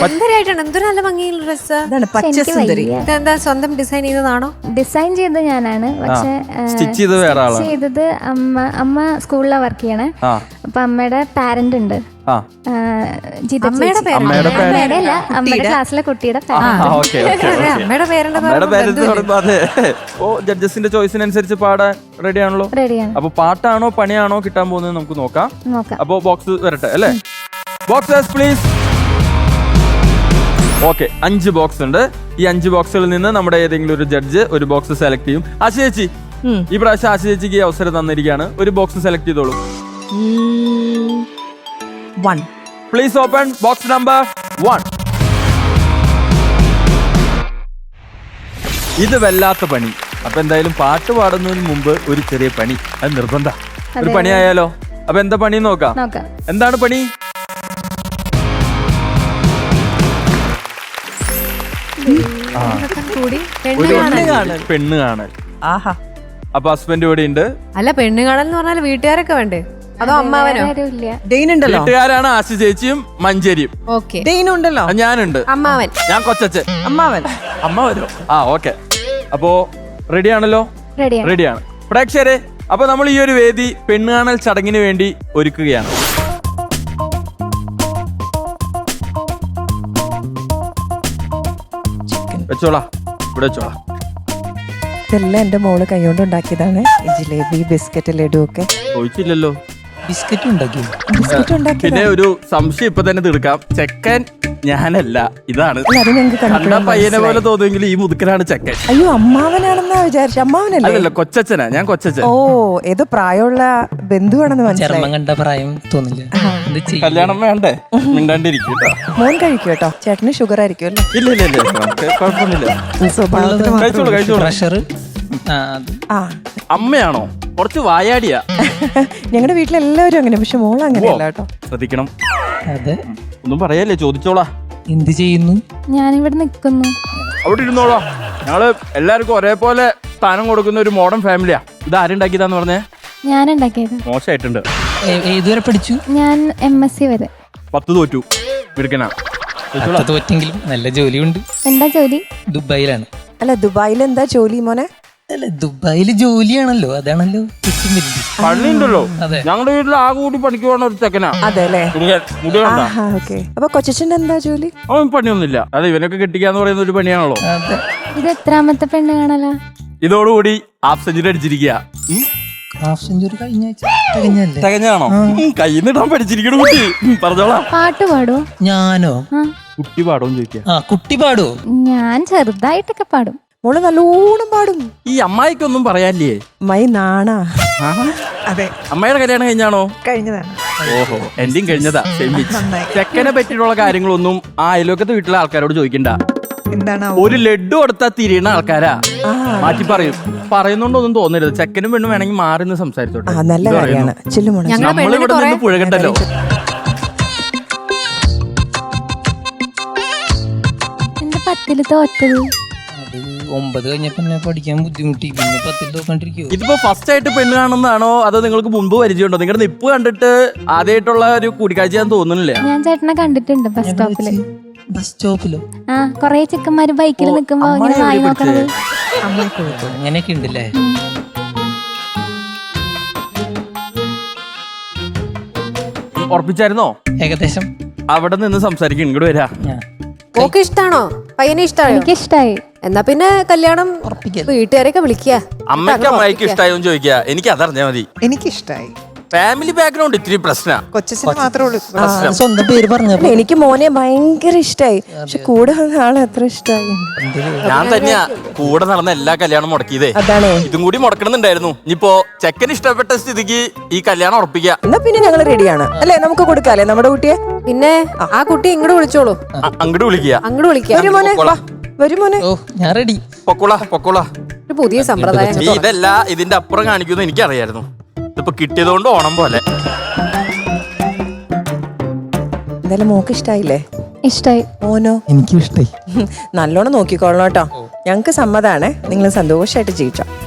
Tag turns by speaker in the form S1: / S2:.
S1: സുന്ദരിയായിട്ടാണ്. എന്തൊരു നല്ല ഭംഗിയുള്ള ഡ്രസ്സ്. ഇതെന്താ സ്വന്തം ഡിസൈൻ ചെയ്തതാണോ?
S2: ഡിസൈൻ ചെയ്തത് ഞാനാണ്, പക്ഷെ
S3: സ്റ്റിച്ച്
S2: ചെയ്തത് അമ്മ സ്കൂളിലാണ് വർക്ക് ചെയ്യണേ. അപ്പൊ അമ്മയുടെ പാരന്റ് ഉണ്ട്, അമ്മയുടെ ക്ലാസ്സിലെ കുട്ടിയുടെ
S3: ജഡ്ജസിന്റെ ചോയ്സിനനുസരിച്ച് പാടാൻ റെഡി ആണല്ലോ.
S2: റെഡിയാണ്.
S3: അപ്പൊ പാട്ടാണോ പണിയാണോ കിട്ടാൻ പോകുന്നത് നമുക്ക് നോക്കാം. അപ്പൊ ബോക്സ് വരട്ടെ അല്ലേ? Boxes please. ഓക്കെ, 5 ബോക്സ് ഉണ്ട്. ഈ 5 ബോക്സുകളിൽ നിന്ന് നമ്മുടെ ഏതെങ്കിലും ഒരു ജഡ്ജ് ഒരു ബോക്സ് സെലക്ട് ചെയ്യും. ആശ ചേച്ചി, ഈ പ്രാവശ്യം ആശ ചേച്ചിക്ക് ഈ അവസരം തന്നിരിക്കുകയാണ്. ഒരു ബോക്സ് സെലക്ട് ചെയ്തോളൂ.
S4: 1.
S3: Please open box number 1. ഇത് വല്ലാത്ത പണി. അപ്പൊ എന്തായാലും പാട്ട് പാടുന്നതിന് മുമ്പ് ഒരു ചെറിയ പണി, അത് നിർബന്ധ. ഒരു പണിയായാലോ? അപ്പൊ എന്താ പണി നോക്കാം. എന്താണ് പണി? പെണ്ണ് കാണൽ.
S4: ആഹാ.
S3: അപ്പൊ ഹസ്ബൻഡ് ഇവിടെ ഉണ്ട്.
S1: അല്ല, പെണ്ണ് കാണൽ എന്ന് പറഞ്ഞാൽ വീട്ടുകാരൊക്കെ വേണ്ടേ, അതോ അമ്മാവനോ?
S3: വീട്ടുകാരാണ് ആശ ചേച്ചിയും മഞ്ചേരിയും.
S4: ഉണ്ടല്ലോ.
S3: ഞാനുണ്ട്.
S1: അമ്മാവൻ.
S3: ഞാൻ കൊച്ചച്ഛൻ. അമ്മ വരോ? ഓക്കെ. അപ്പോ റെഡിയാണല്ലോ? റെഡിയാണ് പ്രേക്ഷകരെ. അപ്പൊ നമ്മൾ ഈ ഒരു വേദി പെണ്ണ് കാണൽ ചടങ്ങിന് വേണ്ടി ഒരുക്കുകയാണ്. വെച്ചോളാ, ഇവിടെ വെച്ചോളാ.
S4: ഇതെല്ലാം എന്റെ മോള് കൈകൊണ്ട് ഉണ്ടാക്കിയതാണ്. ജിലേബി, ബിസ്ക്കറ്റ്, ലഡു ഒക്കെ.
S3: ചോദിച്ചില്ലല്ലോ.
S5: ബിസ്ക്കറ്റ് ഉണ്ടാക്കി.
S3: പിന്നെ ഒരു സംശയം ഇപ്പൊ തന്നെ തീർക്കാം. ചെക്കൻ ഞാനല്ല, ഇതാണ്. കണ്ട പയ്യനെ പോലെ തോന്നുമെങ്കിൽ ഈ മുതുക്കനാണ് ചെക്കൻ.
S4: അയ്യോ, അമ്മാവനാണെന്നാ വിചാരിച്ച. അമ്മാവനല്ലേ?
S3: അല്ലല്ലോ, കൊച്ചച്ഛനാ. ഞാൻ കൊച്ചച്ഛൻ.
S4: ഓ, ഏതോ പ്രായമുള്ള ബന്ധുവാണെന്ന് മനസ്സിലായി.
S5: കണ്ട പ്രായം തോന്നില്ല.
S3: കല്യാണം വേണ്ടേ? മിണ്ടാണ്ടിരിക്കും.
S4: മോൻ കഴിക്കും കേട്ടോ. ചേട്ടന് ഷുഗർ ആയിരിക്കും അല്ലേ?
S3: ഇല്ല, കുഴപ്പമൊന്നുമില്ല. അമ്മയാണോ? കുറച്ച് വായാടിയാ.
S4: ഞങ്ങളുടെ വീട്ടിലെല്ലാവരും അങ്ങനെ, പക്ഷെ മോൾ അങ്ങനെയല്ല കേട്ടോ.
S3: ശ്രദ്ധിക്കണം. അതെ, ഒന്നും പറയല്ലേ, ചോദിച്ചോളാ.
S5: എന്ത് ചെയ്യുന്നു?
S2: ഞാനിവിടെ നിൽക്കുന്നു.
S3: അവിടെ ഇരുന്നോളാ. ഞങ്ങള് എല്ലാവർക്കും ഒരേപോലെ സ്ഥാനം കൊടുക്കുന്ന ഒരു മോഡേൺ ഫാമിലിയാ. ഇത് ആരുണ്ടാക്കിയതാന്ന് പറഞ്ഞേ?
S2: ഞാൻ ഉണ്ടാക്കിയത്.
S3: മോശമായിട്ടുണ്ട്.
S5: ഏതുവരെ പഠിച്ചു?
S2: ഞാൻ MSc വരെ.
S3: 10 തോറ്റു. എടുക്കണ
S5: തോറ്റെങ്കിലും നല്ല ജോലിയുണ്ട്.
S2: എന്താ ജോലി?
S5: ദുബായിലാണ്.
S4: അല്ല, ദുബായിൽ എന്താ ജോലി മോനെ?
S5: അല്ല, ദുബായില് ജോലിയാണല്ലോ, അതാണല്ലോ
S3: പള്ളിയുണ്ടല്ലോ. ഞങ്ങളുടെ വീട്ടിൽ ആ കൂടി പണിക്ക് പോകണ ഒരു ചെക്കനാ.
S4: അതെ അല്ലേ? അപ്പൊ കൊച്ചച്ഛൻ്റെ എന്താ ജോലി?
S3: അവൻ പണിയൊന്നുമില്ല. അതെ, ഇവനൊക്കെ കെട്ടിക്കാന്ന് പറയുന്ന ഒരു പണിയാണല്ലോ.
S2: ഇത് എത്രാമത്തെ പെണ്ണ് കാണലാ?
S3: ഇതോടുകൂടി ഹാഫ് സെഞ്ചുറി അടിച്ചിരിക്കുക.
S5: ഹാഫ് സെഞ്ചുറി കഴിഞ്ഞ ആഴ്ച
S3: തികഞ്ഞാണോ? കൈന്നിടാൻ പഠിച്ചിരിക്കണ കുട്ടി. പറഞ്ഞോളാം.
S2: പാട്ട് പാടോ?
S5: ഞാനോ?
S3: കുട്ടി പാടോന്ന് ചോദിക്കാം.
S5: കുട്ടി പാടോ?
S2: ഞാൻ ചെറുതായിട്ടൊക്കെ പാടും.
S4: മോള് നല്ലോണം പാടും.
S3: ഈ അമ്മായിക്കൊന്നും പറയാനില്ലേ?
S4: അമ്മായി നാണാ.
S3: അതെ. അമ്മയുടെ കല്യാണം കഴിഞ്ഞാണോ?
S4: കഴിഞ്ഞതാണ്.
S3: ഓഹോ, എന്റെയും കഴിഞ്ഞതാ. ചെക്കനെ പറ്റിയിട്ടുള്ള കാര്യങ്ങളൊന്നും ആ അയൽവക്കത്തെ വീട്ടിലെ ആൾക്കാരോട് ചോദിക്കണ്ട.
S4: എന്താണ്?
S3: ഒരു ലഡ്ഡു കൊടുത്താൽ തിരിയണ ആൾക്കാരാ. മാറ്റി പറയും. പറയുന്നോണ്ടൊന്നും തോന്നരുത്. ചെക്കനും പെണ്ണും വേണമെങ്കിൽ മാറി നിന്ന് സംസാരിച്ചോട്ടെ.
S4: നല്ല കാര്യമാണ്.
S3: നമ്മളിവിടെ നിന്ന് പുഴകണ്ടല്ലോ.
S2: എന്റെ 10ല് തോറ്റത്.
S5: 9 കഴിഞ്ഞപ്പോ പഠിക്കാൻ ബുദ്ധിമുട്ടി. പിന്നെ 10ൽ തോക്കണ്ടിരിക്കോ?
S3: ഇതിപ്പോ ഫസ്റ്റ് ആയിട്ട് പെണ്ണ് കാണുന്നതാണോ അതോ നിങ്ങൾക്ക് മുൻപ് പരിചയമുണ്ടോ? നിങ്ങളുടെ നിപ്പ് കണ്ടിട്ട് ആദ്യമായിട്ടുള്ള ഒരു കൂടിക്കാഴ്ച ഞാൻ തോന്നുന്നില്ല.
S2: ഞാൻ ചേട്ടനെ കണ്ടിട്ടുണ്ട് ബസ് സ്റ്റോപ്പില്.
S5: ബസ് സ്റ്റോപ്പിലോ?
S2: കൊറേ ചെക്കന്മാര് ബൈക്കിൽ നിൽക്കുമ്പോ ഇങ്ങനെ വായി നോക്കണത്.
S5: അങ്ങനെയൊക്കെ ഉണ്ടല്ലേ?
S3: ഉറപ്പിച്ചായിരുന്നോ?
S5: ഏകദേശം.
S3: അവിടെ നിന്ന് സംസാരിക്കും. ഇങ്ങോട്ട് വരാ.
S1: ഓക്കെ, ഇഷ്ടാണോ? പയ്യനെ ഇഷ്ടായോ?
S2: എനിക്ക് ഇഷ്ടായി.
S1: എന്നാ പിന്നെ കല്യാണം വീട്ടുകാരെയൊക്കെ വിളിക്കുക.
S3: അമ്മയ്ക്ക് അമ്മായിക്ക് ഇഷ്ടായോ ചോദിക്കുക. എനിക്ക് അതറിഞ്ഞാ മതി.
S4: എനിക്കിഷ്ടായി.
S3: ഫാമിലി ബാക്ക്ഗ്രൗണ്ട് ഇത്തിരി പ്രശ്ന.
S4: കൊച്ചച്ഛന് മാത്രമേ ഉള്ളൂ
S5: സ്വന്തം പേര് പറഞ്ഞപ്പോ
S4: എനിക്ക് മോനെ ഭയങ്കര ഇഷ്ടായി. പക്ഷെ കൂടെ ആളെ അത്ര ഇഷ്ടായി.
S3: ഞാൻ തന്നെയാ കൂടെ നടന്ന എല്ലാ കല്യാണം മുടക്കിയതേ.
S4: അതാണേ.
S3: ഇതും കൂടി മുടക്കണമെന്നുണ്ടായിരുന്നു. ഇനിയിപ്പോ ചെക്കൻ ഇഷ്ടപ്പെട്ട സ്ഥിതിക്ക് ഈ കല്യാണം ഉറപ്പിക്കാം.
S4: എന്നാ പിന്നെ ഞങ്ങൾ റെഡിയാണ് അല്ലേ? നമുക്ക് കൊടുക്കാല്ലേ നമ്മുടെ കുട്ടിയെ?
S1: പിന്നെ ആ കുട്ടി ഇങ്ങോട്ട് വിളിച്ചോളൂ.
S3: അങ്ങോട്ട് വിളിക്കുക.
S1: അങ്ങോട്ട് വിളിക്കുക.
S4: വരുമോനെ.
S5: ഞാൻ റെഡി.
S3: പൊക്കോളാ.
S1: ഒരു പുതിയ സമ്പ്രദായം.
S3: ഇതല്ല, ഇതിന്റെ അപ്പുറം കാണിക്കുന്നു എനിക്കറിയായിരുന്നു. ഇതിപ്പോ കിട്ടിയതുകൊണ്ട് ഓണം പോലെ.
S4: എന്തായാലും മോക്ക് ഇഷ്ടായില്ലേ?
S2: ഇഷ്ടായി.
S4: മോനോ?
S5: എനിക്കും ഇഷ്ടായി.
S4: നല്ലോണം നോക്കിക്കോളണം കേട്ടോ. ഞങ്ങക്ക് സമ്മതാണ്. നിങ്ങൾ സന്തോഷമായിട്ട് ജീവിച്ചോ.